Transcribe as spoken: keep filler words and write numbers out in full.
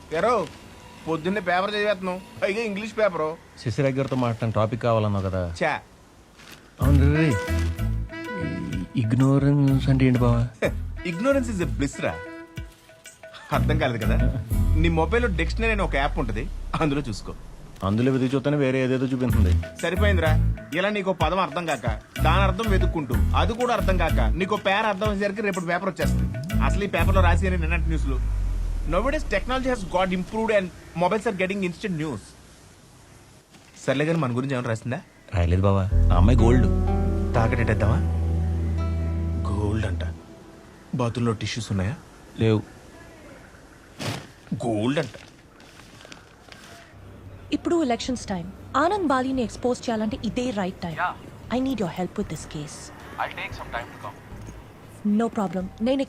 ఎరో పొద్దున్నే పేపర్ చదివేస్తున్నావు, పైగా English paper. Sasirekha గారితో మాట్లాడిన టాపిక్ కావాలన్నావు కదా. చా అవును రే, ఇగ్నోరెన్స్ అంటే ఏంటి బావా? ఇగ్నోరెన్స్ ఇస్ ఎ బ్లిస్ రా. అర్థం కాలేదు కదా. నీ మొబైల్లో డిక్షనరీ అనే ఒక యాప్ ఉంటుంది, అందులో చూసుకో. అందులో వెతికి చూస్తేనే వేరే ఏదేదో చూపిస్తుంది. సరిపోయిందిరా. ఇలా నీకు పదం అర్థం కాక దాని అర్థం వెతుక్కుంటూ అది కూడా అర్థం కాక నీకు పేర అర్థం అయ్యేసరికి రేపు పేపర్ వచ్చేస్తుంది. అసలు ఈ పేపర్లో రాసి నిన్నటి న్యూస్లు. Nowadays technology has got improved and mobiles are getting instant news. సర్లే కానీ మన గురించి ఏమైనా రాసిందా? రాయలేదు బావా. ఆ అమ్మాయి గోల్డ్. తాకటెట్టేద్దామా? గోల్డ్ అంట. బాతుల్లో టిష్యూస్ ఉన్నాయా? లేవు. గోల్డ్ అంట. ఇప్పుడు ఎలక్షన్స్ టైం. ఆనంద్ బాలీని ఎక్స్పోజ్ చేయాలంటే ఇదే right time. I need your help with this case. No problem, నేను